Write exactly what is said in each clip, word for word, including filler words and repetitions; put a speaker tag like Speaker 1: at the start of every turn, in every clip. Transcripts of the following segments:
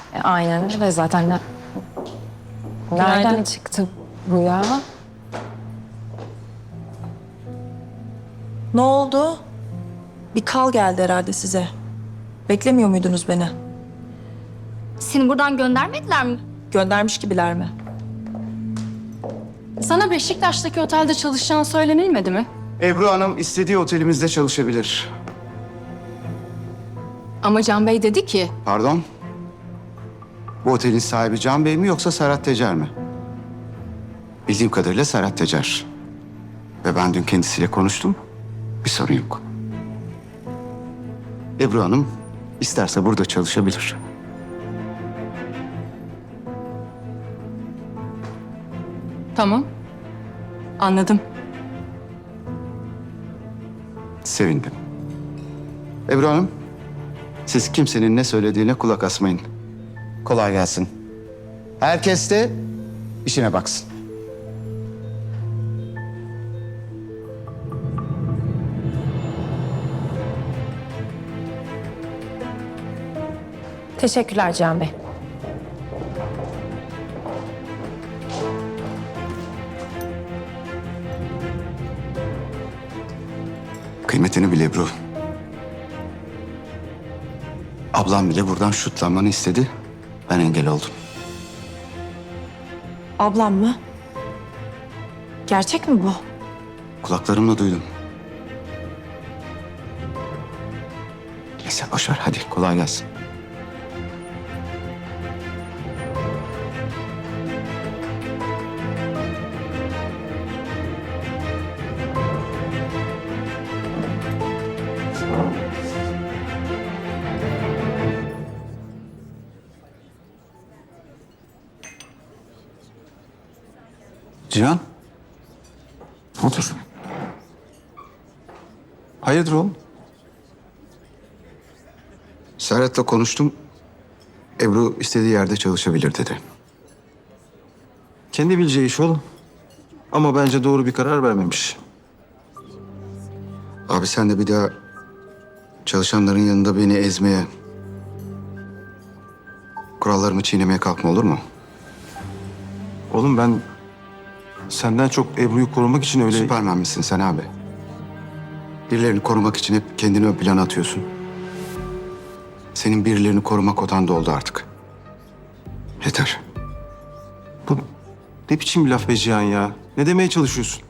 Speaker 1: E, aynen öyle zaten. Ne- Nereden
Speaker 2: Günaydın.
Speaker 1: çıktı bu ya?
Speaker 2: Ne oldu? Bir kal geldi herhalde size. Beklemiyor muydunuz beni?
Speaker 3: Seni buradan göndermediler mi?
Speaker 2: Göndermiş gibiler mi?
Speaker 4: Sana Beşiktaş'taki otelde çalışacağın söylenilmedi mi?
Speaker 5: Ebru Hanım istediği otelimizde çalışabilir.
Speaker 4: Ama Can Bey dedi ki...
Speaker 5: Pardon? Bu otelin sahibi Can Bey mi yoksa Serhat Tecer mi? Bildiğim kadarıyla Serhat Tecer. Ve ben dün kendisiyle konuştum. Bir sorun yok. Ebru Hanım isterse burada çalışabilir.
Speaker 4: Tamam. Anladım.
Speaker 5: Sevindim. Ebru Hanım, siz kimsenin ne söylediğine kulak asmayın. Kolay gelsin. Herkes de işine baksın.
Speaker 1: Teşekkürler Cihan Bey.
Speaker 5: Kıymetini bil Ebru. Ablam bile buradan şutlanmanı istedi. Ben engel oldum.
Speaker 2: Ablam mı? Gerçek mi bu?
Speaker 5: Kulaklarımla duydum. Neyse boş ver hadi kolay gelsin.
Speaker 6: Cihan. Otur. Hayırdır oğlum?
Speaker 5: Serhat'la konuştum. Ebru istediği yerde çalışabilir dedi.
Speaker 6: Kendi bileceği iş oğlum. Ama bence doğru bir karar vermemiş.
Speaker 5: Abi sen de bir daha çalışanların yanında beni ezmeye, kurallarımı çiğnemeye kalkma olur mu?
Speaker 6: Oğlum ben senden çok Ebru'yu korumak için öyle...
Speaker 5: Süpermen misin sen abi? Birilerini korumak için hep kendini ön plana atıyorsun. Senin birilerini korumak odan doldu artık. Yeter.
Speaker 6: Bu ne biçim bir laf be Cihan ya? Ne demeye çalışıyorsun?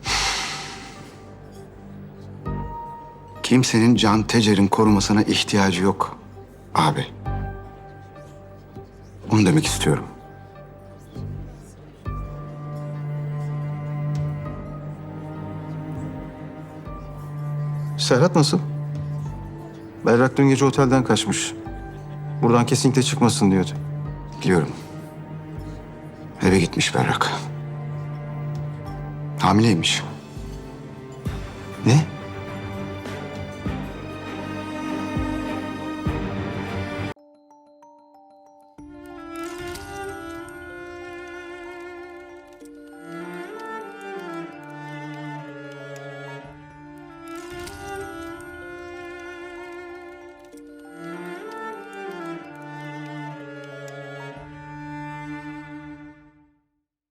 Speaker 5: Kimsenin Can Tecer'in korumasına ihtiyacı yok abi. Onu demek istiyorum.
Speaker 6: Serhat nasıl? Berrak dün gece otelden kaçmış. Buradan kesinlikle çıkmasın diyordu.
Speaker 5: Biliyorum. Eve gitmiş Berrak. Hamileymiş.
Speaker 6: Ne?